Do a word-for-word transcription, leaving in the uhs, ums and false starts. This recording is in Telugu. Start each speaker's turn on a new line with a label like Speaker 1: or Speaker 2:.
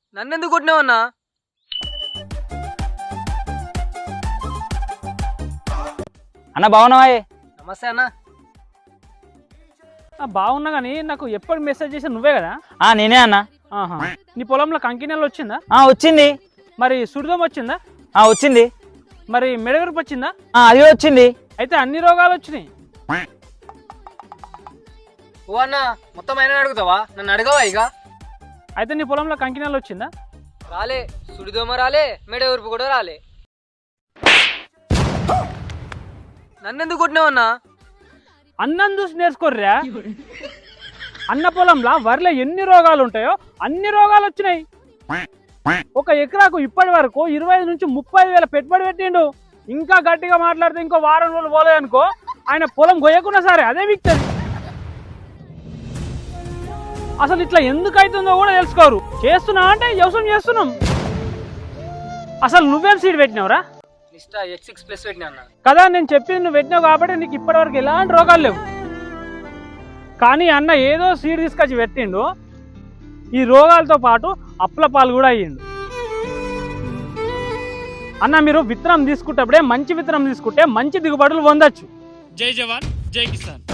Speaker 1: నన్నెందుకు కొట్టినావు అన్నా?
Speaker 2: అన్న బాగున్నావా?
Speaker 1: నమస్తే అన్న.
Speaker 3: బాగున్నా కానీ నాకు ఎప్పుడు మెసేజ్ చేసి నువ్వే కదా?
Speaker 2: ఆ నేనే అన్న.
Speaker 3: ఆహా, నీ పొలంలో కంకినెల వచ్చిందా?
Speaker 2: ఆ వచ్చింది.
Speaker 3: మరి సుడిదం వచ్చిందా?
Speaker 2: ఆ వచ్చింది.
Speaker 3: మరి మెడగరుపు వచ్చిందా?
Speaker 2: ఆ అది కూడా వచ్చింది.
Speaker 3: అయితే అన్ని రోగాలు వచ్చినాయి.
Speaker 1: ఓ అన్న, మొత్తం అయినా అడుగుతావా? నన్ను అడగవా ఇక?
Speaker 3: అయితే నీ పొలంలో కంకినెల వచ్చిందా?
Speaker 1: రాలే, సుడిదోమ రాలే, మెడ ఊర్పు కూడా రాలే. నన్నెందుకు కొట్టినావు అన్నా?
Speaker 3: అన్నం చూసి నేర్చుకోర్రా. అన్న పొలంలో వరిలో ఎన్ని రోగాలు ఉంటాయో అన్ని రోగాలు వచ్చినాయి. ఒక ఎకరాకు ఇప్పటి వరకు ఇరవై ఐదు నుంచి ముప్పై వేల పెట్టుబడి పెట్టిండు. ఇంకా గట్టిగా మాట్లాడితే ఇంకో వారం రోజులు పోలేదనుకో ఆయన పొలం గొయ్యకున్నా సరే అదే విక్తది. అసలు ఇట్లా ఎందుకు అవుతుందో కూడా తెలుసుకోరు. చేస్తున్నా అంటే వ్యవసాయం చేస్తున్నాం. అసలు నువ్వేం సీడ్ పెట్టినావురా?
Speaker 1: నిష్టా ఎక్స్ సిక్స్ ప్లస్ పెట్టినా అన్న.
Speaker 3: కదా నేను చెప్పింది నువ్వు పెట్టినావు కాబట్టి నీకు ఇప్పటివరకు ఎలాంటి రోగాలు లేవు. కానీ అన్న ఏదో సీడ్ తీసుకొచ్చి పెట్టిండు, ఈ రోగాలతో పాటు అప్పుల పాలు కూడా అయ్యిండు. అన్న మీరు విత్తనం తీసుకుంటప్పుడే మంచి విత్తనం తీసుకుంటే మంచి దిగుబడులు పొందొచ్చు.
Speaker 4: జై జవాన్ జై కిసాన్.